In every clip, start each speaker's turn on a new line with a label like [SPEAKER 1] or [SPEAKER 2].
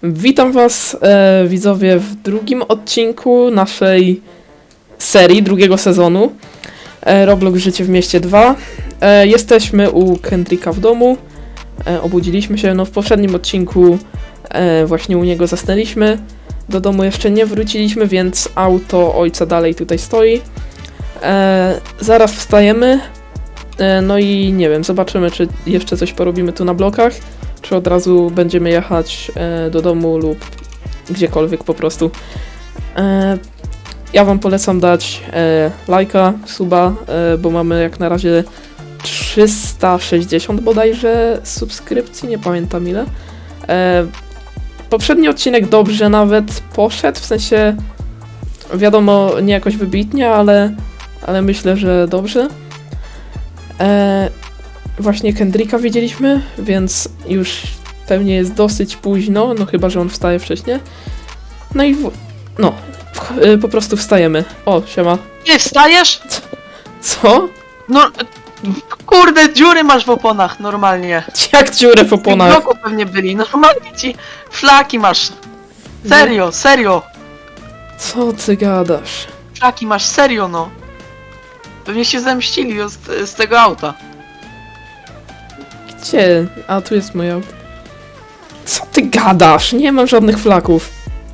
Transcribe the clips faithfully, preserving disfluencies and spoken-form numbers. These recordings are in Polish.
[SPEAKER 1] Witam was, e, widzowie, w drugim odcinku naszej serii, drugiego sezonu e, Roblox Życie w mieście dwa. E, jesteśmy u Kendricka w domu, e, obudziliśmy się, no w poprzednim odcinku e, właśnie u niego zasnęliśmy. Do domu jeszcze nie wróciliśmy, więc auto ojca dalej tutaj stoi. E, zaraz wstajemy, e, no i nie wiem, zobaczymy, czy jeszcze coś porobimy tu na blokach, czy od razu będziemy jechać e, do domu lub gdziekolwiek po prostu. E, ja wam polecam dać e, lajka, suba, e, bo mamy jak na razie trzysta sześćdziesiąt bodajże subskrypcji, nie pamiętam ile. E, poprzedni odcinek dobrze nawet poszedł, w sensie wiadomo, nie jakoś wybitnie, ale, ale myślę, że dobrze. E, Właśnie Kendricka widzieliśmy, więc już pewnie jest dosyć późno, no chyba, że on wstaje wcześniej. No i w... no, w... y, po prostu wstajemy. O, siema.
[SPEAKER 2] Nie wstajesz?
[SPEAKER 1] Co?
[SPEAKER 2] No, kurde, dziury masz w oponach, normalnie.
[SPEAKER 1] Jak dziurę w
[SPEAKER 2] W
[SPEAKER 1] oponach?
[SPEAKER 2] bloku pewnie byli, normalnie ci flaki masz. Serio, serio.
[SPEAKER 1] Co ty gadasz?
[SPEAKER 2] Flaki masz, serio no. Pewnie się zemścili z, z tego auta.
[SPEAKER 1] Gdzie? A, tu jest moje auto. Co ty gadasz? Nie mam żadnych flaków.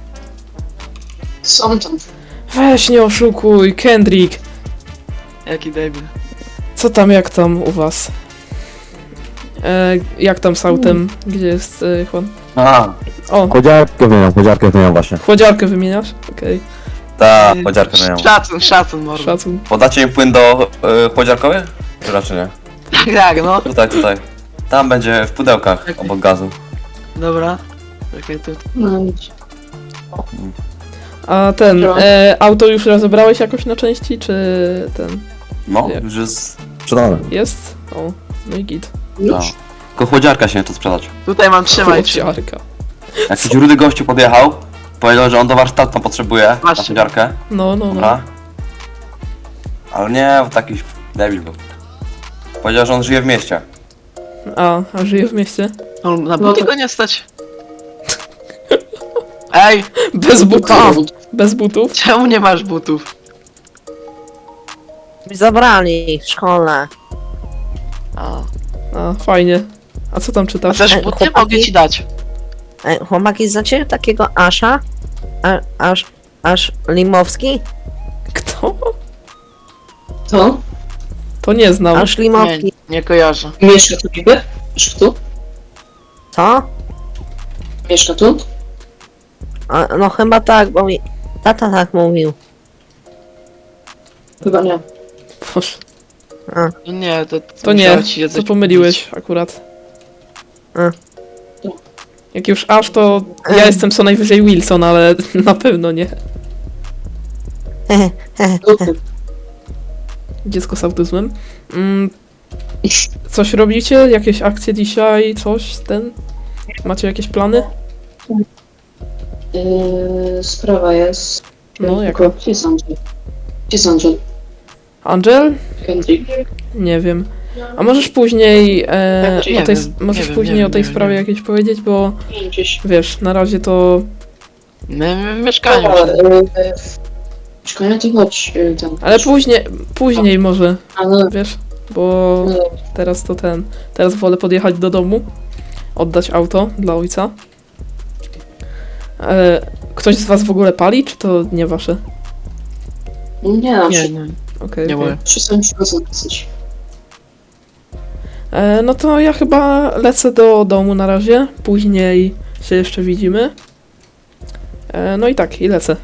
[SPEAKER 3] Są tam.
[SPEAKER 1] Weź, nie oszukuj, Kendrick.
[SPEAKER 2] Jaki debil.
[SPEAKER 1] Co tam, jak tam u was? E, jak tam z autem? Gdzie jest e, Juan?
[SPEAKER 4] A,
[SPEAKER 1] O,
[SPEAKER 4] chłodziarkę wymieniam, chłodziarkę wymieniam właśnie.
[SPEAKER 1] chłodziarkę wymieniasz? Okej,
[SPEAKER 4] Ta, chłodziarkę wymieniam.
[SPEAKER 2] Szacun, szacun, mordo.
[SPEAKER 1] szacun.
[SPEAKER 4] Podacie mi płyn do y, chłodziarkowy? Czy raczej nie?
[SPEAKER 2] Tak, tak, no.
[SPEAKER 4] Tutaj, tutaj. Tam będzie w pudełkach, obok gazu.
[SPEAKER 2] Dobra. Czekaj, tu.
[SPEAKER 3] No nic.
[SPEAKER 1] A ten,
[SPEAKER 3] No.
[SPEAKER 1] e, auto już rozebrałeś jakoś na części, czy ten,
[SPEAKER 4] No,
[SPEAKER 1] Jak?
[SPEAKER 4] już jest sprzedane.
[SPEAKER 1] jest? O, no i git.
[SPEAKER 4] No.
[SPEAKER 3] Już?
[SPEAKER 4] Tylko chłodziarka się nie to sprzedać.
[SPEAKER 2] Tutaj mam, trzymaj. trzymaj.
[SPEAKER 1] Chłodziarka.
[SPEAKER 4] Jakiś rudy gościu podjechał, powiedział, że on do warsztatu potrzebuje na
[SPEAKER 2] Właśnie.
[SPEAKER 4] chłodziarkę.
[SPEAKER 1] No, no, no.
[SPEAKER 4] Dobra. Ale nie, bo taki debil był. Powiedział, że on żyje w mieście.
[SPEAKER 1] A, a żyje w mieście?
[SPEAKER 2] No, na
[SPEAKER 3] No
[SPEAKER 2] buty
[SPEAKER 3] to-
[SPEAKER 2] go nie stać. Ej,
[SPEAKER 1] Bez butów. Bez butów.
[SPEAKER 2] czemu nie masz butów?
[SPEAKER 5] Mi zabrali w szkole.
[SPEAKER 2] A,
[SPEAKER 1] A, fajnie. A co tam
[SPEAKER 2] a
[SPEAKER 1] czytasz?
[SPEAKER 2] też
[SPEAKER 5] Ej,
[SPEAKER 2] buty
[SPEAKER 5] chłopaki?
[SPEAKER 2] mogę ci dać.
[SPEAKER 5] Ej, chłopaki, znacie takiego Asza? A, aż, aż Limowski?
[SPEAKER 1] Kto?
[SPEAKER 3] To?
[SPEAKER 1] To nie znam.
[SPEAKER 5] Aż
[SPEAKER 2] Nie,
[SPEAKER 5] Limowski.
[SPEAKER 2] nie kojarzę.
[SPEAKER 3] Mieszka tu niby? Mieszka tu?
[SPEAKER 5] Co?
[SPEAKER 3] Mieszka tu?
[SPEAKER 5] A, no chyba tak, bo mi tata tak mówił.
[SPEAKER 3] Chyba nie.
[SPEAKER 1] Boże,
[SPEAKER 2] No nie, to...
[SPEAKER 1] to nie,
[SPEAKER 2] musiało ci się
[SPEAKER 1] to
[SPEAKER 2] coś
[SPEAKER 1] pomyliłeś akurat.
[SPEAKER 5] A.
[SPEAKER 1] Jak już aż, to ja jestem co najwyżej Wilson, ale na pewno nie.
[SPEAKER 3] Dupy.
[SPEAKER 1] Dziecko z autyzmem. Mm, coś robicie? Jakieś akcje dzisiaj? Coś? Ten? Macie jakieś plany?
[SPEAKER 3] Yy, sprawa jest...
[SPEAKER 1] No, jaka?
[SPEAKER 3] Tylko, Gdzie jest Angel? Gdzie jest Angel?
[SPEAKER 1] Angel?
[SPEAKER 3] Kendrick?
[SPEAKER 1] Nie wiem. A możesz później e,
[SPEAKER 2] Nie
[SPEAKER 1] o tej,
[SPEAKER 2] wiem,
[SPEAKER 1] możesz
[SPEAKER 2] nie wiem,
[SPEAKER 1] później
[SPEAKER 2] nie
[SPEAKER 1] o tej
[SPEAKER 2] wiem, nie
[SPEAKER 1] sprawie
[SPEAKER 2] wiem.
[SPEAKER 1] jakieś powiedzieć, bo
[SPEAKER 3] Nie wiem, gdzieś.
[SPEAKER 1] wiesz, na razie to...
[SPEAKER 2] My, my w mieszkaniu.
[SPEAKER 3] Dobra, yy, Mieszkanie to chodź yy, tam.
[SPEAKER 1] Ale później, później może,
[SPEAKER 3] A, no,
[SPEAKER 1] wiesz, bo
[SPEAKER 3] no, dobra.
[SPEAKER 1] teraz to ten... Teraz wolę podjechać do domu, oddać auto dla ojca. E, ktoś z was w ogóle pali, czy to nie wasze?
[SPEAKER 3] Nie, na
[SPEAKER 2] Nie,
[SPEAKER 3] przykład.
[SPEAKER 2] nie,
[SPEAKER 1] Okej,
[SPEAKER 2] nie
[SPEAKER 1] okej.
[SPEAKER 2] moje.
[SPEAKER 3] Przestaniesz dosyć.
[SPEAKER 1] E, no to ja chyba lecę do domu na razie, później się jeszcze widzimy. E, no i tak, i lecę.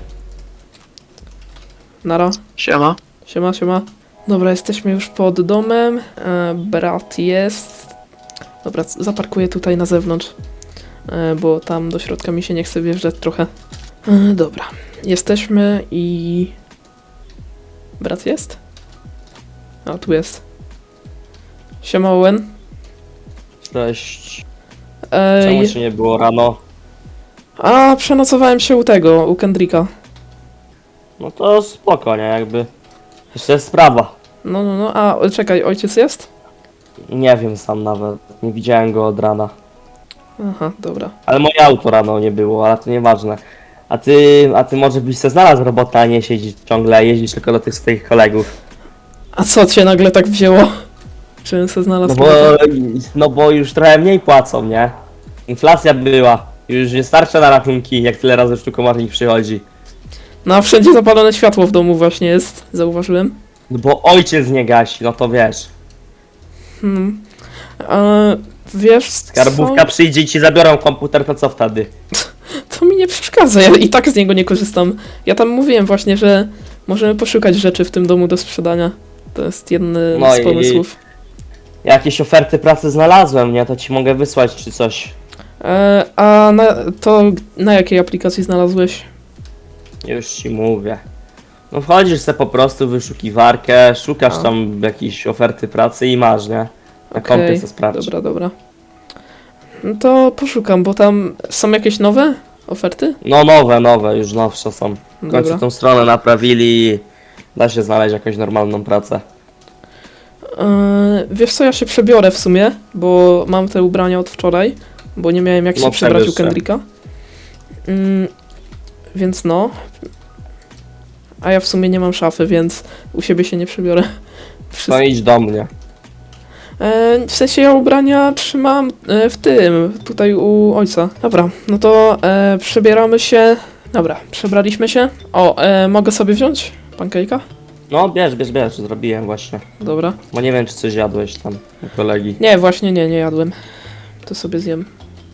[SPEAKER 1] Nara,
[SPEAKER 2] Siema.
[SPEAKER 1] siema, siema. Dobra, jesteśmy już pod domem, e, brat jest. Dobra, c- zaparkuję tutaj na zewnątrz, e, bo tam do środka mi się nie chce wjeżdżać trochę. E, dobra, jesteśmy i... Brat jest? A, tu jest. Siema, Owen.
[SPEAKER 6] Cześć.
[SPEAKER 1] Ej,
[SPEAKER 6] Czemu się nie było rano?
[SPEAKER 1] a przenocowałem się u tego, u Kendricka.
[SPEAKER 6] No to spoko, nie? Jakby. Jeszcze jest sprawa.
[SPEAKER 1] No, no, no, a czekaj, ojciec jest?
[SPEAKER 6] Nie wiem sam nawet. Nie widziałem go od rana.
[SPEAKER 1] Aha, dobra.
[SPEAKER 6] Ale moje auto rano nie było, ale to nieważne. A ty, a ty może byś se znalazł robotę, a nie siedzieć ciągle, jeździć tylko do tych swoich kolegów.
[SPEAKER 1] A co cię nagle tak wzięło? Czym se znalazł
[SPEAKER 6] No bo,
[SPEAKER 1] robotę?
[SPEAKER 6] no bo już trochę mniej płacą, nie? Inflacja była. Już nie starcza na rachunki, jak tyle razy sztukomarnik przychodzi.
[SPEAKER 1] No a wszędzie zapalone światło w domu właśnie jest, zauważyłem.
[SPEAKER 6] No bo ojciec nie gasi, no to wiesz.
[SPEAKER 1] Hmm. E, wiesz
[SPEAKER 6] Skarbówka
[SPEAKER 1] co?
[SPEAKER 6] przyjdzie i ci zabiorą komputer, to co wtedy?
[SPEAKER 1] To mi nie przeszkadza, ja i tak z niego nie korzystam. Ja tam mówiłem właśnie, że możemy poszukać rzeczy w tym domu do sprzedania. To jest jeden
[SPEAKER 6] No
[SPEAKER 1] z
[SPEAKER 6] i-
[SPEAKER 1] pomysłów.
[SPEAKER 6] Jakieś oferty pracy znalazłem, nie? To ci mogę wysłać czy coś.
[SPEAKER 1] E, a na, to na jakiej aplikacji znalazłeś?
[SPEAKER 6] Już ci mówię. No wchodzisz se po prostu w wyszukiwarkę, szukasz
[SPEAKER 1] A.
[SPEAKER 6] tam jakiejś oferty pracy i masz, nie? Na
[SPEAKER 1] Okej,
[SPEAKER 6] kompie se sprawdź.
[SPEAKER 1] Dobra, dobra. No to poszukam, bo tam są jakieś nowe oferty?
[SPEAKER 6] No nowe, nowe, już nowsze są. W końcu
[SPEAKER 1] Dobra.
[SPEAKER 6] tą stronę naprawili i da się znaleźć jakąś normalną pracę.
[SPEAKER 1] E, wiesz co, ja się przebiorę w sumie, bo mam te ubrania od wczoraj, bo nie miałem jak się
[SPEAKER 6] No,
[SPEAKER 1] przebrać u
[SPEAKER 6] przebierz się.
[SPEAKER 1] Kendricka. Mm, więc no. A ja w sumie nie mam szafy, więc u siebie się nie przebiorę. Wszystko.
[SPEAKER 6] No idź do mnie.
[SPEAKER 1] E, w sensie ja ubrania trzymam e, w tym, tutaj u ojca. Dobra, no to e, przebieramy się. Dobra, przebraliśmy się. O, e, mogę sobie wziąć pancake'a?
[SPEAKER 6] No bierz, bierz, bierz, zrobiłem właśnie.
[SPEAKER 1] Dobra.
[SPEAKER 6] Bo nie wiem czy coś jadłeś tam u kolegi.
[SPEAKER 1] Nie, właśnie nie, nie jadłem. To sobie zjem.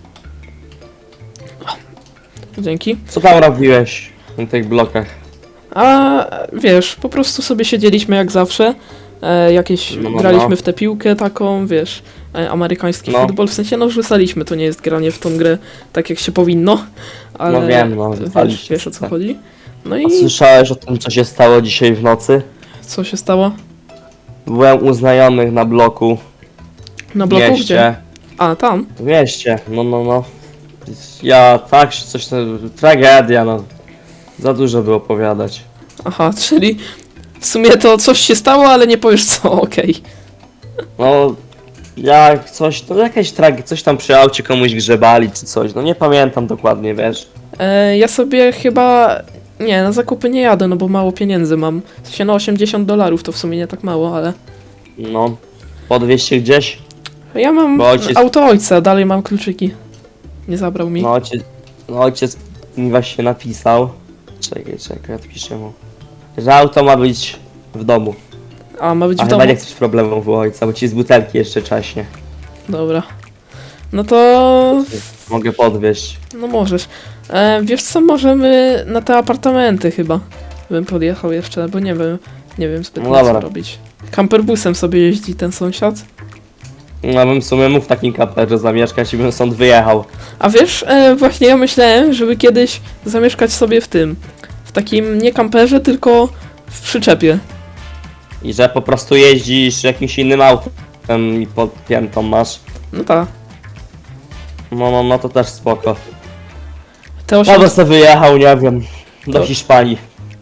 [SPEAKER 1] O, dzięki.
[SPEAKER 6] Co tam robiłeś na tych blokach?
[SPEAKER 1] A wiesz, po prostu sobie siedzieliśmy jak zawsze. E, jakieś
[SPEAKER 6] No, no,
[SPEAKER 1] graliśmy
[SPEAKER 6] no.
[SPEAKER 1] w tę piłkę taką, wiesz, e, amerykański
[SPEAKER 6] No.
[SPEAKER 1] futbol. W sensie no rzucaliśmy, to nie jest granie w tą grę tak jak się powinno. Ale
[SPEAKER 6] No wiem, no,
[SPEAKER 1] wiesz,
[SPEAKER 6] rzucaliście
[SPEAKER 1] wiesz o co
[SPEAKER 6] sobie.
[SPEAKER 1] chodzi. No
[SPEAKER 6] A
[SPEAKER 1] i
[SPEAKER 6] słyszałeś o tym co się stało dzisiaj w nocy?
[SPEAKER 1] co się stało?
[SPEAKER 6] Byłem u znajomych na bloku
[SPEAKER 1] Na
[SPEAKER 6] w
[SPEAKER 1] bloku gdzie?
[SPEAKER 6] mieście.
[SPEAKER 1] A, tam.
[SPEAKER 6] W mieście, no no no. Ja tak, coś tam, tragedia no. Za dużo by opowiadać.
[SPEAKER 1] Aha, czyli w sumie to coś się stało, ale nie powiesz co, okej.
[SPEAKER 6] No, jak coś, to jakaś tragedia, coś tam przy aucie komuś grzebali czy coś, no nie pamiętam dokładnie, wiesz.
[SPEAKER 1] E, ja sobie chyba... Nie, na zakupy nie jadę, no bo mało pieniędzy mam. W sensie na osiemdziesiąt dolarów to w sumie nie tak mało, ale...
[SPEAKER 6] No, podwieźć się gdzieś?
[SPEAKER 1] Ja mam
[SPEAKER 6] Bo ojciec-
[SPEAKER 1] auto ojca, dalej mam kluczyki. Nie zabrał mi.
[SPEAKER 6] No ojciec, no ojciec mi właśnie napisał. Czekaj, czekaj, odpiszę mu. Że auto ma być w domu.
[SPEAKER 1] A, ma być
[SPEAKER 6] A
[SPEAKER 1] w
[SPEAKER 6] chyba
[SPEAKER 1] domu.
[SPEAKER 6] nie chcesz problemów u ojca, bo ci z butelki jeszcze czaśnie.
[SPEAKER 1] Dobra. No to...
[SPEAKER 6] Mogę podwieźć.
[SPEAKER 1] No możesz. E, wiesz co, możemy na te apartamenty chyba. Bym podjechał jeszcze, bo nie wiem. Nie wiem zbytnio
[SPEAKER 6] No dobra.
[SPEAKER 1] co robić. Kamperbusem sobie jeździ ten sąsiad.
[SPEAKER 6] No bym w sumie mógł w takim kamperze zamieszkać i bym stąd wyjechał.
[SPEAKER 1] A wiesz, e, właśnie ja myślałem, żeby kiedyś zamieszkać sobie w tym. W takim nie kamperze, tylko w przyczepie.
[SPEAKER 6] I że po prostu jeździsz jakimś innym autem i podpiętą masz.
[SPEAKER 1] No tak.
[SPEAKER 6] No, no, no to też spoko.
[SPEAKER 1] Te
[SPEAKER 6] Ja
[SPEAKER 1] osiem...
[SPEAKER 6] bym sobie wyjechał, nie wiem, do
[SPEAKER 1] To-
[SPEAKER 6] Hiszpanii.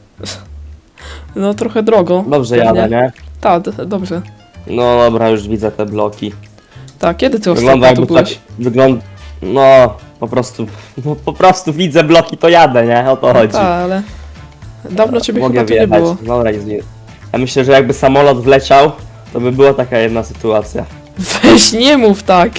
[SPEAKER 1] No trochę drogo.
[SPEAKER 6] Dobrze
[SPEAKER 1] pewnie.
[SPEAKER 6] jadę, nie?
[SPEAKER 1] Tak, d- dobrze.
[SPEAKER 6] No dobra, już widzę te bloki.
[SPEAKER 1] Tak, kiedy ty
[SPEAKER 6] Wygląda
[SPEAKER 1] ostatnio tu
[SPEAKER 6] jakby tak,
[SPEAKER 1] byłeś?
[SPEAKER 6] wygląda, no po prostu, no po prostu widzę bloki to jadę, nie? O to chodzi.
[SPEAKER 1] Tak, ale... Dawno ciebie
[SPEAKER 6] Mogę
[SPEAKER 1] chyba tu nie
[SPEAKER 6] wjechać,
[SPEAKER 1] było.
[SPEAKER 6] dobra, nic nie. Ja myślę, że jakby samolot wleciał, to by była taka jedna sytuacja.
[SPEAKER 1] Weź, nie mów tak.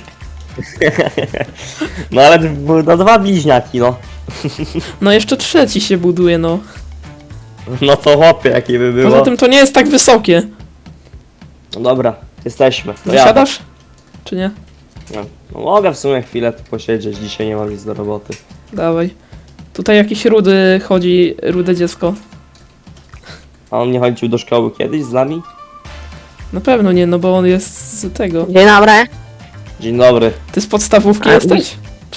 [SPEAKER 6] No ale były no, dwa bliźniaki, no.
[SPEAKER 1] No jeszcze trzeci się buduje, no.
[SPEAKER 6] No to chłopie, jakie by było.
[SPEAKER 1] Poza tym to nie jest tak wysokie.
[SPEAKER 6] No dobra, jesteśmy. To
[SPEAKER 1] Wysiadasz? Czy nie?
[SPEAKER 6] jadę. No, mogę w sumie chwilę tu posiedzieć, dzisiaj nie mam nic do roboty.
[SPEAKER 1] Dawaj. Tutaj jakiś rudy chodzi, rude dziecko.
[SPEAKER 6] A on nie chodził do szkoły kiedyś z nami?
[SPEAKER 1] Na pewno nie, no bo on jest z tego.
[SPEAKER 5] Dzień dobry.
[SPEAKER 6] Dzień dobry.
[SPEAKER 1] Ty z podstawówki
[SPEAKER 5] A,
[SPEAKER 1] jesteś?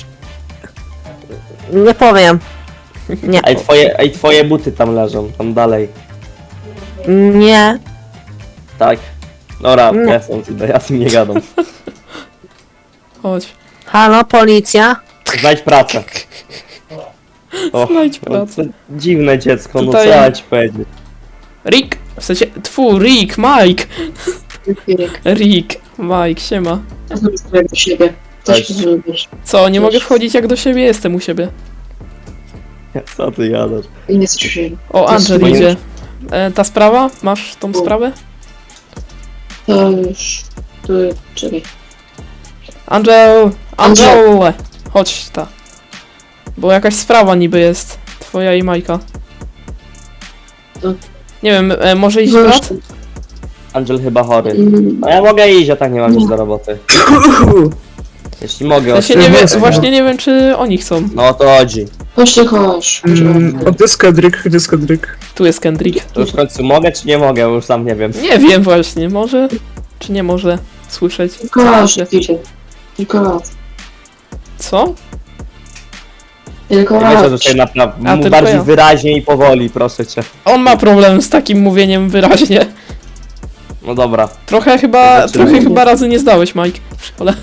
[SPEAKER 5] Nie powiem. Nie.
[SPEAKER 6] Ej twoje, ej, twoje buty tam leżą, tam dalej.
[SPEAKER 5] Nie.
[SPEAKER 6] Tak. Dobra,
[SPEAKER 5] Nie.
[SPEAKER 6] ja są tutaj, ja z tym nie gadam.
[SPEAKER 1] Chodź.
[SPEAKER 5] Halo, policja?
[SPEAKER 6] Znajdź pracę. O,
[SPEAKER 1] Znajdź
[SPEAKER 6] no,
[SPEAKER 1] pracę.
[SPEAKER 6] to dziwne dziecko, no
[SPEAKER 1] Tutaj-
[SPEAKER 6] co ja ci powiedzieć.
[SPEAKER 1] Rick! W sensie, tfu, Rick, Mike!
[SPEAKER 3] Chwilek.
[SPEAKER 1] Rick, Mike, siema.
[SPEAKER 3] Ja znam do siebie. Też
[SPEAKER 6] Cześć.
[SPEAKER 3] zrobisz.
[SPEAKER 1] Co, nie
[SPEAKER 3] Cześć.
[SPEAKER 1] mogę wchodzić jak do siebie jestem u siebie.
[SPEAKER 6] Co ty jadasz?
[SPEAKER 3] I nie słyszeli.
[SPEAKER 1] O,
[SPEAKER 3] To
[SPEAKER 1] Angel
[SPEAKER 3] jest-
[SPEAKER 1] idzie. E, ta sprawa? Masz tą sprawę?
[SPEAKER 3] To już... To... Czekaj.
[SPEAKER 1] Angel! Angel!
[SPEAKER 3] Angel.
[SPEAKER 1] Chodź ta. Bo jakaś sprawa niby jest. Twoja i Majka.
[SPEAKER 3] To-
[SPEAKER 1] Nie wiem, e, może iść
[SPEAKER 3] No już-
[SPEAKER 1] brat?
[SPEAKER 6] Angel chyba chory.
[SPEAKER 3] Mm,
[SPEAKER 6] No ja mogę iść, a tak nie mam nic do roboty. Jeśli mogę,
[SPEAKER 1] Ja się
[SPEAKER 6] oczywiście.
[SPEAKER 1] nie wiem,
[SPEAKER 7] jest,
[SPEAKER 1] właśnie nie wiem czy oni chcą.
[SPEAKER 6] No o to chodzi.
[SPEAKER 3] Chodź ty, chodź.
[SPEAKER 7] Mm, a gdzie jest Kendrick? Gdzie jest Kendrick?
[SPEAKER 1] Tu jest Kendrick.
[SPEAKER 6] To już w końcu mogę, czy nie mogę? Już sam nie wiem.
[SPEAKER 1] Nie wiem właśnie, może czy nie może słyszeć.
[SPEAKER 3] Tylko raz, idzie. Tylko raz.
[SPEAKER 1] Co?
[SPEAKER 3] Tylko
[SPEAKER 6] Nie myślę, że
[SPEAKER 3] raz.
[SPEAKER 6] tutaj naprawdę
[SPEAKER 1] A,
[SPEAKER 6] mów
[SPEAKER 1] tylko
[SPEAKER 6] bardziej
[SPEAKER 1] ja.
[SPEAKER 6] wyraźnie i powoli, proszę cię.
[SPEAKER 1] On ma problem z takim mówieniem wyraźnie.
[SPEAKER 6] No dobra.
[SPEAKER 1] Trochę chyba,
[SPEAKER 6] Zaczynamy.
[SPEAKER 1] trochę chyba razy nie zdałeś, Mike, w szkole.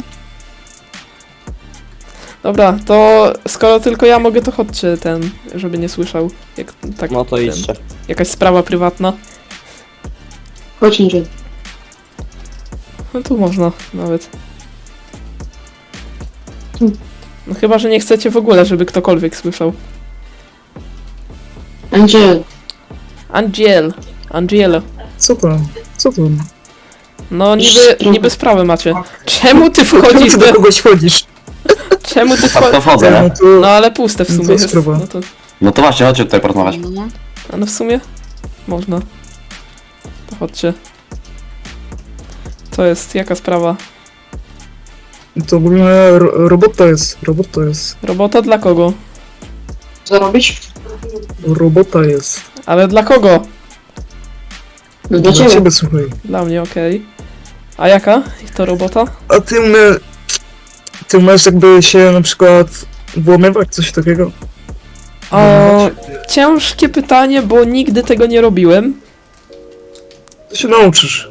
[SPEAKER 1] Dobra, to skoro tylko ja mogę, to chodźcie ten, żeby nie słyszał. Jak, tak,
[SPEAKER 6] No to
[SPEAKER 1] ten,
[SPEAKER 6] idźcie.
[SPEAKER 1] jakaś sprawa prywatna.
[SPEAKER 3] Chodź, Angel.
[SPEAKER 1] No tu można nawet.
[SPEAKER 3] Tu.
[SPEAKER 1] No chyba, że nie chcecie w ogóle, żeby ktokolwiek słyszał.
[SPEAKER 3] Angel.
[SPEAKER 1] Angiel. Angielo.
[SPEAKER 7] Co tam? Co tam?
[SPEAKER 1] No niby, niby sprawę macie. Czemu ty
[SPEAKER 7] Czemu
[SPEAKER 1] wchodzisz
[SPEAKER 7] ty do
[SPEAKER 1] do...
[SPEAKER 7] kogoś wchodzisz?
[SPEAKER 1] Czemu ty
[SPEAKER 4] Tak to
[SPEAKER 1] wchodzisz...
[SPEAKER 4] wchodzę,
[SPEAKER 7] No
[SPEAKER 4] nie?
[SPEAKER 7] to...
[SPEAKER 1] No ale puste w
[SPEAKER 7] No to
[SPEAKER 1] sumie jest.
[SPEAKER 7] sprawa.
[SPEAKER 1] No to...
[SPEAKER 4] No to właśnie, chodźcie tutaj porozmawiać.
[SPEAKER 1] A no w sumie można. To chodźcie. Co jest? Jaka sprawa?
[SPEAKER 7] To ogólnie ro robota jest. Robota jest.
[SPEAKER 1] Robota dla kogo?
[SPEAKER 3] Zarobić?
[SPEAKER 7] Robota jest.
[SPEAKER 1] Ale dla kogo?
[SPEAKER 3] No
[SPEAKER 7] Dla
[SPEAKER 3] dla ciebie.
[SPEAKER 7] ciebie, słuchaj.
[SPEAKER 1] Dla mnie, okej. A jaka to robota?
[SPEAKER 7] A ty umie... Ty umiesz jakby się na przykład włamywać, coś takiego?
[SPEAKER 1] O, ciężkie pytanie, bo nigdy tego nie robiłem.
[SPEAKER 7] To się nauczysz.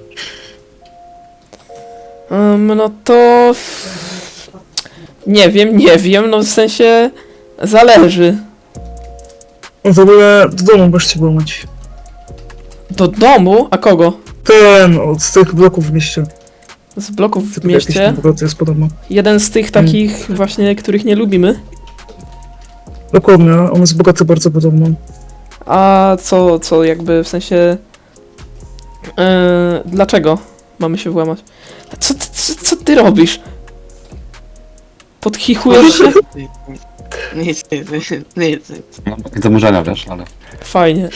[SPEAKER 1] Um, no to... Nie wiem, nie wiem, no w sensie... Zależy.
[SPEAKER 7] No w ogóle do domu możesz się włamać.
[SPEAKER 1] Do domu? A kogo?
[SPEAKER 7] Ten, od tych bloków w mieście.
[SPEAKER 1] Z bloków w
[SPEAKER 7] Tylko jakiś
[SPEAKER 1] mieście?
[SPEAKER 7] tam bogaty jest podobno.
[SPEAKER 1] Jeden z tych takich właśnie, których nie lubimy.
[SPEAKER 7] Dokładnie, on jest bogaty bardzo podobno.
[SPEAKER 1] A co, co jakby w sensie... Yy, dlaczego mamy się włamać? Co, ty- co, co ty robisz? Podchichujesz się?
[SPEAKER 2] Nic, nic, nic, nic, nic.
[SPEAKER 4] No, takie zaburzenia, wiesz, ale...
[SPEAKER 1] Fajnie.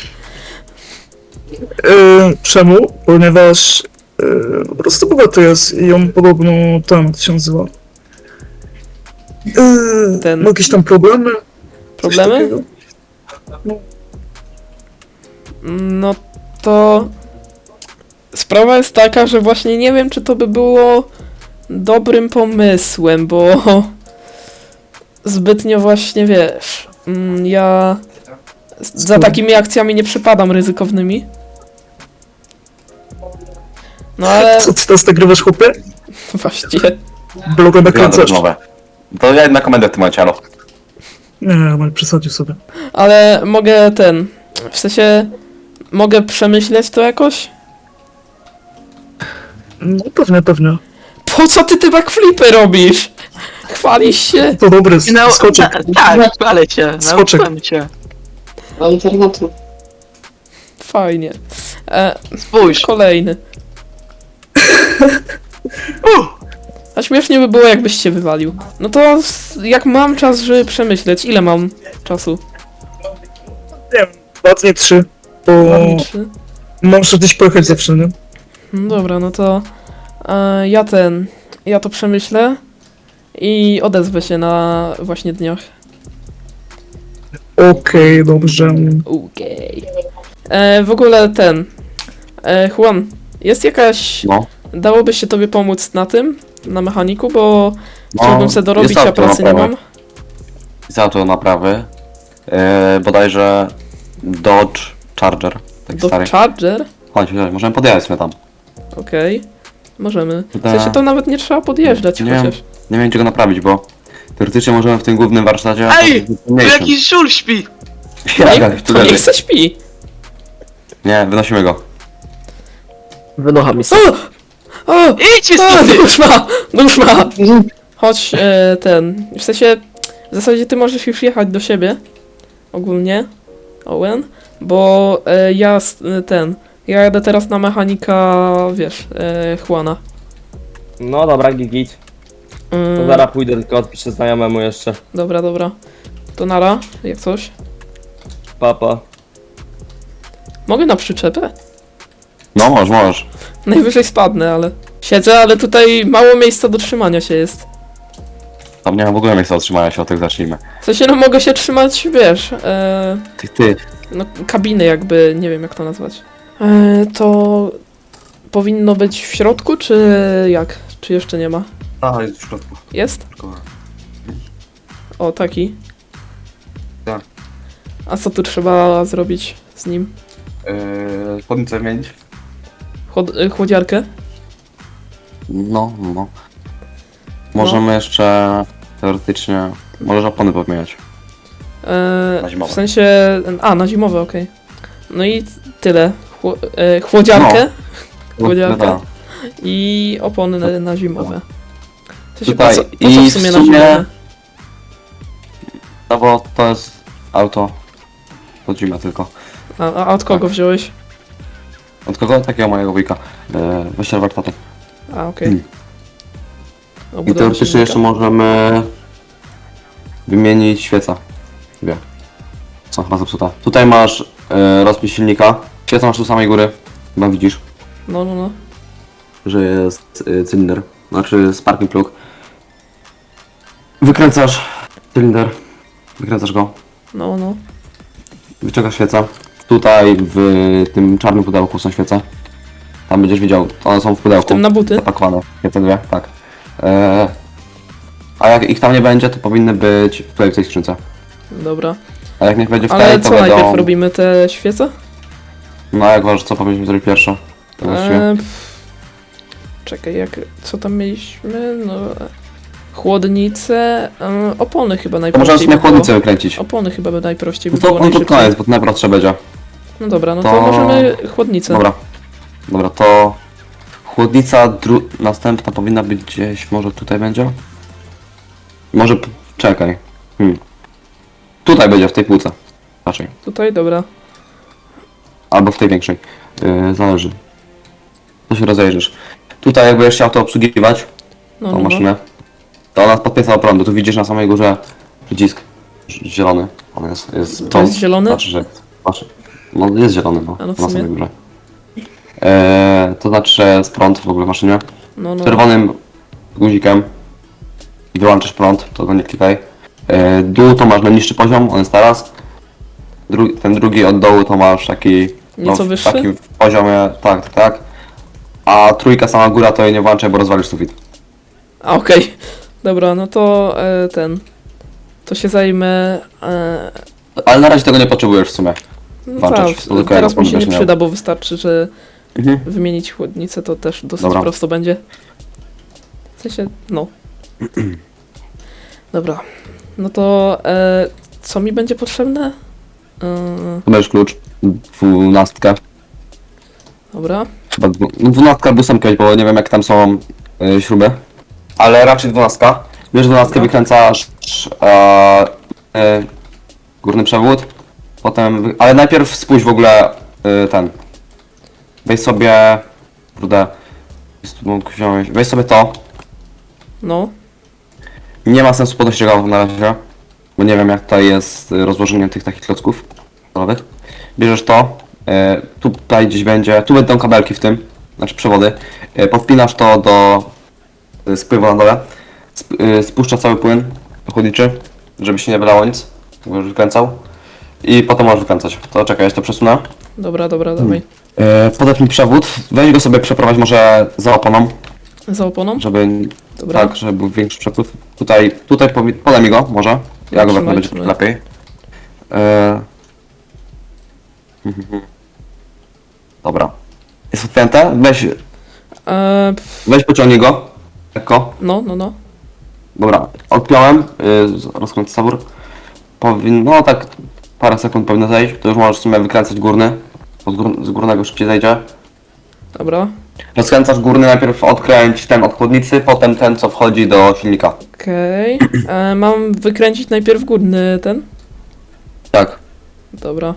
[SPEAKER 7] Yy, czemu? Ponieważ yy, po prostu bogaty jest i on podobno tam, jak to się nazywa. Yy,
[SPEAKER 1] Ten-
[SPEAKER 7] Ma jakieś tam problemy? Coś
[SPEAKER 1] Problemy?
[SPEAKER 7] takiego?
[SPEAKER 1] No to... Sprawa jest taka, że właśnie nie wiem, czy to by było dobrym pomysłem, bo zbytnio właśnie, wiesz, mm, ja za takimi akcjami nie przypadam ryzykownymi. No ale
[SPEAKER 7] Co ty teraz nagrywasz, chłopie?
[SPEAKER 1] właściwie,
[SPEAKER 7] Bloga
[SPEAKER 4] Wygląda
[SPEAKER 7] nakręcasz?
[SPEAKER 4] rozmowę. To ja na komendę w tym momencie, alo.
[SPEAKER 7] Nie, ale przesadził sobie.
[SPEAKER 1] ale mogę ten, w sensie, mogę przemyśleć to jakoś?
[SPEAKER 7] No pewnie, pewnie.
[SPEAKER 1] Po co ty te backflipy robisz? Chwalisz się?
[SPEAKER 7] To dobry,
[SPEAKER 2] No,
[SPEAKER 7] skoczek.
[SPEAKER 2] ta- tak, chwalę cię,
[SPEAKER 7] Skoczek.
[SPEAKER 2] nauczyłem cię.
[SPEAKER 3] Do internetu.
[SPEAKER 1] Fajnie. E,
[SPEAKER 2] Spójrz.
[SPEAKER 1] kolejny.
[SPEAKER 2] Uh,
[SPEAKER 1] A śmiesznie by było, jakbyś się wywalił. No to s- jak mam czas, żeby przemyśleć, ile mam czasu?
[SPEAKER 7] Nie wiem, dwa dni, trzy. Bo
[SPEAKER 1] Dwa dni, trzy?
[SPEAKER 7] muszę gdzieś pojechać zawsze, nie?
[SPEAKER 1] No dobra, no to e, ja ten, ja to przemyślę i odezwę się na właśnie dniach.
[SPEAKER 7] Okej, dobrze.
[SPEAKER 1] Okej. E, W ogóle ten, e, Juan, jest jakaś,
[SPEAKER 4] No.
[SPEAKER 1] dałoby się tobie pomóc na tym, na mechaniku, bo
[SPEAKER 4] No,
[SPEAKER 1] chciałbym sobie dorobić,
[SPEAKER 4] jest
[SPEAKER 1] a
[SPEAKER 4] auto
[SPEAKER 1] pracy nie
[SPEAKER 4] naprawy.
[SPEAKER 1] mam.
[SPEAKER 4] Za to naprawy. Yy, bodajże Dodge Charger. Taki
[SPEAKER 1] Do
[SPEAKER 4] stary.
[SPEAKER 1] Charger?
[SPEAKER 4] Chodź, chodź, możemy podjechać sobie tam.
[SPEAKER 1] Okej, możemy. W
[SPEAKER 4] Da.
[SPEAKER 1] sensie to nawet nie trzeba podjeżdżać
[SPEAKER 4] Nie wiem,
[SPEAKER 1] chociaż.
[SPEAKER 4] nie wiem czego naprawić, bo teoretycznie możemy w tym głównym warsztacie... a
[SPEAKER 2] Ej,
[SPEAKER 4] to w
[SPEAKER 2] tu
[SPEAKER 4] mniejszym.
[SPEAKER 2] jakiś żul śpi.
[SPEAKER 4] Jak,
[SPEAKER 1] Nie,
[SPEAKER 4] jak, tu
[SPEAKER 1] to
[SPEAKER 4] leży.
[SPEAKER 1] niech se śpi.
[SPEAKER 4] Nie, wynosimy go.
[SPEAKER 6] Wynocha mi
[SPEAKER 1] O! O!
[SPEAKER 2] Idźcie
[SPEAKER 1] O!
[SPEAKER 2] stąd!
[SPEAKER 1] Nóż ma! Nóż ma! Chodź, e, ten, w sensie, w zasadzie ty możesz już jechać do siebie, ogólnie, Owen, bo e, ja, s- e, ten, ja jadę teraz na mechanika, wiesz, e, Juana.
[SPEAKER 6] No dobra, git, git. To
[SPEAKER 1] Mm,
[SPEAKER 6] zaraz pójdę, tylko odpiszę znajomemu jeszcze.
[SPEAKER 1] Dobra, dobra. To nara, jak coś.
[SPEAKER 6] Papa.
[SPEAKER 1] Mogę na przyczepę?
[SPEAKER 4] No, możesz, możesz.
[SPEAKER 1] Najwyżej spadnę, ale... Siedzę, ale tutaj mało miejsca do trzymania się jest.
[SPEAKER 4] Tam nie ma w ogóle miejsca otrzymania się, od tych zacznijmy.
[SPEAKER 1] W sensie, no mogę się trzymać, wiesz, e,
[SPEAKER 4] Ty, ty.
[SPEAKER 1] no kabiny jakby, nie wiem jak to nazwać. E, to powinno być w środku, czy jak? Czy jeszcze nie ma?
[SPEAKER 4] A, jest w środku.
[SPEAKER 1] Jest? O, taki.
[SPEAKER 4] Tak.
[SPEAKER 1] A co tu trzeba zrobić z nim?
[SPEAKER 4] Yy, Chłodnicę wymienić?
[SPEAKER 1] Chłod y, chłodziarkę?
[SPEAKER 4] No, no. Możemy jeszcze teoretycznie... Możesz opony pomieniać.
[SPEAKER 1] E,
[SPEAKER 4] Na zimowe.
[SPEAKER 1] w sensie... A, na zimowe, okej. No i tyle. Chło e, chłodziarkę Chłodziarka.
[SPEAKER 4] No,
[SPEAKER 1] i opony na, na zimowe. W sensie,
[SPEAKER 4] Tutaj.
[SPEAKER 1] po co, po co
[SPEAKER 4] I
[SPEAKER 1] w sumie
[SPEAKER 4] w
[SPEAKER 1] na
[SPEAKER 4] sumie-
[SPEAKER 1] zimowe?
[SPEAKER 4] no bo to jest auto pod zimę tylko.
[SPEAKER 1] A, a od kogo wziąłeś?
[SPEAKER 4] Od kogo? Takiego mojego wujka. Yy, Wyściel warsztatu.
[SPEAKER 1] A, okej.
[SPEAKER 4] Mm.
[SPEAKER 1] Okay.
[SPEAKER 4] I teoretycznie jeszcze możemy wymienić świeca. Dwie. Są chyba zepsute. Tutaj masz yy, rozpis silnika. Świecę masz tu samej góry. Chyba widzisz,
[SPEAKER 1] No, no, no.
[SPEAKER 4] że jest yy, cylinder. Znaczy sparking plug. Wykręcasz cylinder. Wykręcasz go.
[SPEAKER 1] No, no.
[SPEAKER 4] Wyciągasz świecę. Tutaj w tym czarnym pudełku są świece. Tam będziesz widział, one są w
[SPEAKER 1] W
[SPEAKER 4] pudełku.
[SPEAKER 1] tym na buty?
[SPEAKER 4] Zapakowane. Świece dwie, tak. Eee, a jak ich tam nie będzie, to powinny być w tej, w tej skrzynce.
[SPEAKER 1] Dobra.
[SPEAKER 4] A jak niech będzie w
[SPEAKER 1] Ale
[SPEAKER 4] tej, to
[SPEAKER 1] co najpierw
[SPEAKER 4] będą...
[SPEAKER 1] robimy? Te świece?
[SPEAKER 4] No a jak uważasz, co powinniśmy zrobić pierwsze? To właściwie.
[SPEAKER 1] E, pff. Czekaj, jak... Co tam mieliśmy? No... Chłodnice... E, opony chyba
[SPEAKER 4] To
[SPEAKER 1] najprościej
[SPEAKER 4] możemy sobie
[SPEAKER 1] by było.
[SPEAKER 4] chłodnicę wykręcić.
[SPEAKER 1] Opony chyba by najprościej by
[SPEAKER 4] No to,
[SPEAKER 1] było,
[SPEAKER 4] no to
[SPEAKER 1] najszybciej.
[SPEAKER 4] koniec, bo to najprostsze będzie.
[SPEAKER 1] No dobra, no to,
[SPEAKER 4] to-
[SPEAKER 1] możemy chłodnicę.
[SPEAKER 4] Dobra. Dobra, to... Chłodnica dru... następna powinna być gdzieś, może tutaj będzie? Może... p- czekaj. Hmm. Tutaj będzie, w tej półce. Raczej.
[SPEAKER 1] Tutaj, dobra.
[SPEAKER 4] Albo w tej większej. Yy, zależy. To się rozejrzysz. Tutaj jak będziesz chciał to obsługiwać,
[SPEAKER 1] No,
[SPEAKER 4] tą
[SPEAKER 1] no, no.
[SPEAKER 4] maszynę, to ona podpieca do prądu. Tu widzisz na samej górze przycisk ż- zielony. On jest, jest
[SPEAKER 1] To
[SPEAKER 4] prąd.
[SPEAKER 1] jest zielony?
[SPEAKER 4] Znaczy, że... Znaczy, no jest zielony, no.
[SPEAKER 1] A no w
[SPEAKER 4] na
[SPEAKER 1] sumie.
[SPEAKER 4] samej górze. Eee, to znaczy, że jest prąd w ogóle w maszynie.
[SPEAKER 1] No, no.
[SPEAKER 4] Czerwonym guzikiem wyłączysz prąd, to go nie klikaj. Eee, dół to masz na niższy poziom, on jest teraz. Dru ten drugi od dołu to masz taki...
[SPEAKER 1] Nieco
[SPEAKER 4] w
[SPEAKER 1] wyższy?
[SPEAKER 4] takim poziomie, tak, tak, tak. A trójka sama góra to jej nie włączaj, bo rozwalisz sufit.
[SPEAKER 1] A, okej. Dobra, no to e, ten... To się zajmę... E,
[SPEAKER 4] Ale na razie tego nie potrzebujesz w sumie.
[SPEAKER 1] no
[SPEAKER 4] Włączasz,
[SPEAKER 1] tak,
[SPEAKER 4] to tylko
[SPEAKER 1] teraz
[SPEAKER 4] jak
[SPEAKER 1] mi się nie
[SPEAKER 4] będziesz miał.
[SPEAKER 1] przyda, bo wystarczy, że
[SPEAKER 4] Mhm.
[SPEAKER 1] wymienić chłodnicę, to też dosyć
[SPEAKER 4] Dobra.
[SPEAKER 1] prosto będzie. W sensie, no. Dobra. No to e, co mi będzie potrzebne? E,
[SPEAKER 4] Tu będziesz klucz, dwunastkę.
[SPEAKER 1] dobra.
[SPEAKER 4] Chyba dwu, no dwunastka albo ósemkę, bo nie wiem jak tam są y, śruby. Ale raczej dwunastka. Bierzesz dwunastkę,
[SPEAKER 1] Dobra.
[SPEAKER 4] wykręcasz e, e, górny przewód. Potem, wy- ale najpierw spójrz w ogóle y, ten. Weź sobie, kurde, jest tu mógł wziąć, weź sobie to.
[SPEAKER 1] No.
[SPEAKER 4] Nie ma sensu podnosić tego na razie, bo nie wiem jak tutaj jest y, rozłożenie tych takich klocków metalowych. Bierzesz to, y, tutaj gdzieś będzie, tu będą kabelki w tym, znaczy przewody. Y, podpinasz to do y, spływu na dole, sp y, spuszcza cały płyn chłodniczy, żeby się nie wylało nic, bo już wykręcał. I potem możesz wykręcać. To czekaj, ja to przesunę.
[SPEAKER 1] Dobra, dobra, dawaj.
[SPEAKER 4] Y, podepnij przewód, weź go sobie przeprowadź może za oponą,
[SPEAKER 1] Za oponą?
[SPEAKER 4] żeby
[SPEAKER 1] Dobra.
[SPEAKER 4] tak, żeby był większy przepływ. Tutaj, tutaj powi- podaj mi go, może. Ja go
[SPEAKER 1] Trzymaj,
[SPEAKER 4] wepnę, będzie
[SPEAKER 1] trzymaj.
[SPEAKER 4] lepiej. Eee... mhm. Dobra. Jest odpięte? Weź,
[SPEAKER 1] E, pf,
[SPEAKER 4] weź pociągnij go. Lekko.
[SPEAKER 1] no, no, no.
[SPEAKER 4] Dobra, odpiąłem. Yy, rozkręcę sabór. Powinno, no tak parę sekund powinno zejść. To już możesz w sumie wykręcać górny. Bo z, gór- z górnego szybciej zejdzie.
[SPEAKER 1] Dobra.
[SPEAKER 4] Rozkręcasz górny, najpierw odkręć ten od chłodnicy, potem ten, co wchodzi do silnika.
[SPEAKER 1] Okej. E, Mam wykręcić najpierw górny ten?
[SPEAKER 4] Tak.
[SPEAKER 1] Dobra,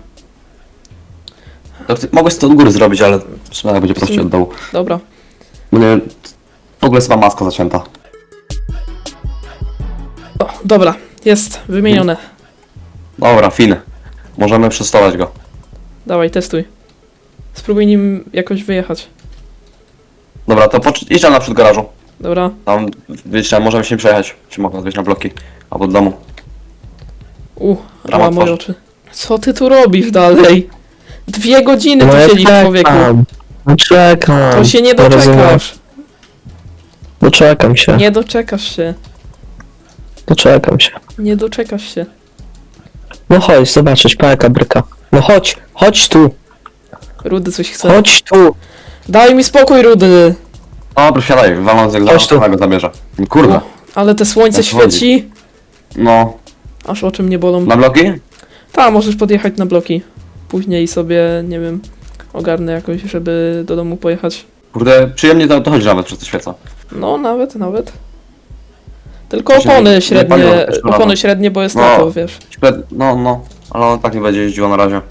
[SPEAKER 4] To ty, mogłeś to od góry zrobić, ale w sumie będzie prościej od dołu.
[SPEAKER 1] dobra.
[SPEAKER 4] Bo nie, w ogóle jest chyba maska zacięta.
[SPEAKER 1] O, dobra, jest wymienione.
[SPEAKER 4] Dobra, fin. Możemy przestować go.
[SPEAKER 1] Dawaj, testuj. Spróbuj nim jakoś wyjechać.
[SPEAKER 4] Dobra, to pocz- idź tam naprzód garażu.
[SPEAKER 1] Dobra.
[SPEAKER 4] Tam, wiecie, możemy się przejechać. Czy mogę odwieźć na bloki? Albo do domu.
[SPEAKER 1] U,
[SPEAKER 4] Brama
[SPEAKER 1] rała moje
[SPEAKER 4] otworzy.
[SPEAKER 1] oczy. Co ty tu robisz dalej? Dwie godziny tu siedzisz, człowieku.
[SPEAKER 8] No czekam.
[SPEAKER 1] To się nie
[SPEAKER 8] To rozumiem.
[SPEAKER 1] doczekasz.
[SPEAKER 8] Doczekam się.
[SPEAKER 1] Nie doczekasz się.
[SPEAKER 8] Doczekam się.
[SPEAKER 1] Nie doczekasz się.
[SPEAKER 8] No chodź, zobaczysz, pałka bryka. No chodź, chodź tu,
[SPEAKER 1] Rudy coś chce.
[SPEAKER 8] chodź tu.
[SPEAKER 1] Daj mi spokój, Rudy.
[SPEAKER 4] Dobra, siadaj, waląc jak
[SPEAKER 8] Chodź tu.
[SPEAKER 4] zaraz go zabierze. Kurde.
[SPEAKER 1] O, ale te słońce
[SPEAKER 4] O co chodzi?
[SPEAKER 1] świeci.
[SPEAKER 4] No,
[SPEAKER 1] Aż oczy mnie bolą.
[SPEAKER 4] na bloki?
[SPEAKER 1] Ta, możesz podjechać na bloki. Później sobie, nie wiem, ogarnę jakoś, żeby do domu pojechać.
[SPEAKER 4] Kurde, przyjemnie to, to chodzi nawet przez te świece.
[SPEAKER 1] No, nawet, nawet. Tylko
[SPEAKER 4] Właśnie nie-
[SPEAKER 1] opony
[SPEAKER 4] nie
[SPEAKER 1] średnie,
[SPEAKER 4] paliło też na
[SPEAKER 1] opony
[SPEAKER 4] lato.
[SPEAKER 1] średnie, bo jest
[SPEAKER 4] No.
[SPEAKER 1] lato, wiesz.
[SPEAKER 4] Śpę- No, no, ale on tak nie będzie jeździło na razie.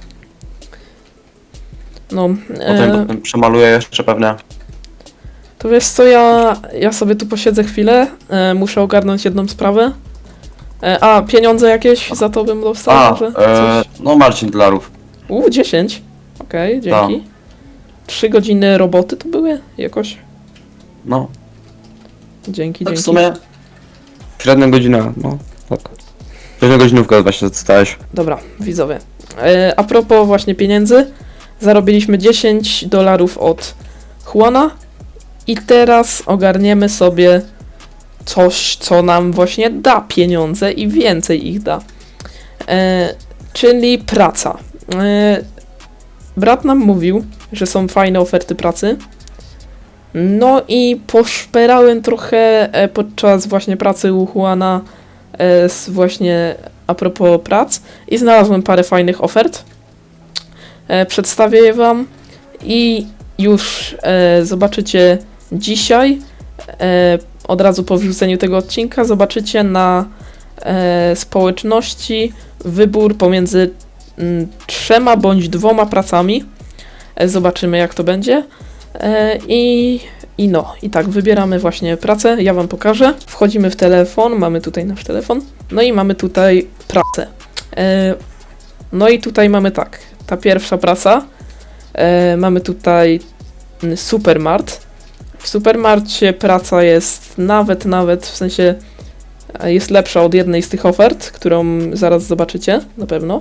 [SPEAKER 1] No,
[SPEAKER 4] Potem,
[SPEAKER 1] e,
[SPEAKER 4] potem przemaluję jeszcze pewnie.
[SPEAKER 1] to wiesz co, ja, ja sobie tu posiedzę chwilę, e, muszę ogarnąć jedną sprawę. E, a, pieniądze jakieś za to bym dostał
[SPEAKER 4] A,
[SPEAKER 1] może?
[SPEAKER 4] e,
[SPEAKER 1] Coś?
[SPEAKER 4] no Marcin dolarów.
[SPEAKER 1] U, dziesięć. Okej, dzięki. Trzy godziny roboty to były jakoś?
[SPEAKER 4] No,
[SPEAKER 1] Dzięki,
[SPEAKER 4] tak w
[SPEAKER 1] dzięki.
[SPEAKER 4] sumie średnia godzina, no, tak. Średnia godzinówka właśnie dostałeś.
[SPEAKER 1] Dobra, widzowie. E, a propos właśnie pieniędzy, zarobiliśmy dziesięć dolarów od Juana i teraz ogarniemy sobie coś, co nam właśnie da pieniądze i więcej ich da. E, czyli praca. E, brat nam mówił, że są fajne oferty pracy. No i poszperałem trochę e, podczas właśnie pracy u Juana e, z właśnie a propos prac i znalazłem parę fajnych ofert. E, przedstawię je wam i już e, zobaczycie dzisiaj, e, od razu po wrzuceniu tego odcinka, zobaczycie na e, społeczności wybór pomiędzy m, trzema bądź dwoma pracami. E, zobaczymy jak to będzie. E, I i no, i tak, wybieramy właśnie pracę, ja wam pokażę. Wchodzimy w telefon, mamy tutaj nasz telefon, no i mamy tutaj pracę. E, no i tutaj mamy tak, ta pierwsza praca, e, mamy tutaj mm, Supermart. W Supermarcie praca jest nawet, nawet, w sensie e, jest lepsza od jednej z tych ofert, którą zaraz zobaczycie, na pewno.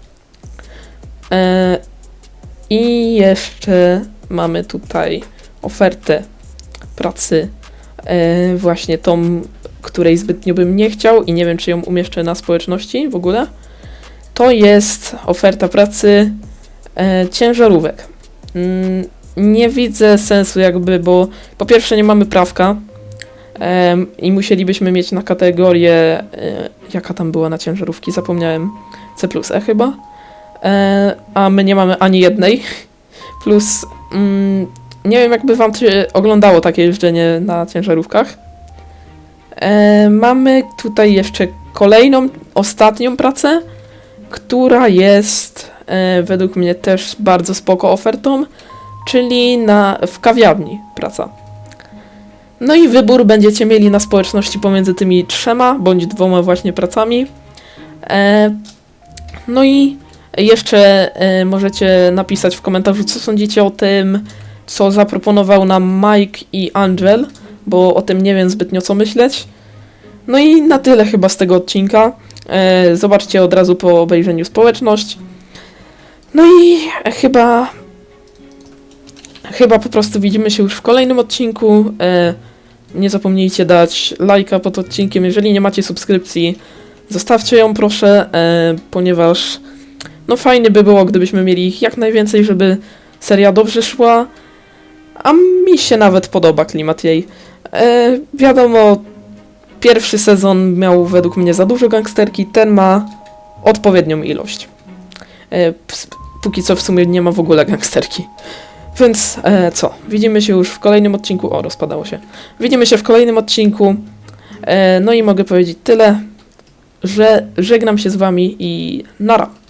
[SPEAKER 1] E, I jeszcze mamy tutaj ofertę pracy, e, właśnie tą, której zbytnio bym nie chciał i nie wiem, czy ją umieszczę na społeczności w ogóle. To jest oferta pracy e, ciężarówek. Mm, nie widzę sensu jakby, bo po pierwsze nie mamy prawka e, i musielibyśmy mieć na kategorię, e, jaka tam była na ciężarówki, zapomniałem, C plus E chyba, e, a my nie mamy ani jednej, plus mm, nie wiem, jakby wam się oglądało takie jeżdżenie na ciężarówkach. E, mamy tutaj jeszcze kolejną, ostatnią pracę, która jest e, według mnie też bardzo spoko ofertą, czyli na, w kawiarni praca. No i wybór będziecie mieli na społeczności pomiędzy tymi trzema bądź dwoma właśnie pracami. E, no i jeszcze e, możecie napisać w komentarzu, co sądzicie o tym, co zaproponował nam Mike i Angel, bo o tym nie wiem zbytnio co myśleć. No i na tyle chyba z tego odcinka. E, zobaczcie od razu po obejrzeniu społeczność. No i chyba... Chyba po prostu widzimy się już w kolejnym odcinku. E, nie zapomnijcie dać lajka pod odcinkiem. Jeżeli nie macie subskrypcji, zostawcie ją proszę, e, ponieważ no fajnie by było, gdybyśmy mieli ich jak najwięcej, żeby seria dobrze szła. A mi się nawet podoba klimat jej. E, wiadomo, pierwszy sezon miał według mnie za dużo gangsterki, ten ma odpowiednią ilość. E, ps- póki co w sumie nie ma w ogóle gangsterki. Więc e, co? Widzimy się już w kolejnym odcinku. O, rozpadało się. Widzimy się w kolejnym odcinku. E, no i mogę powiedzieć tyle, że żegnam się z wami i nara.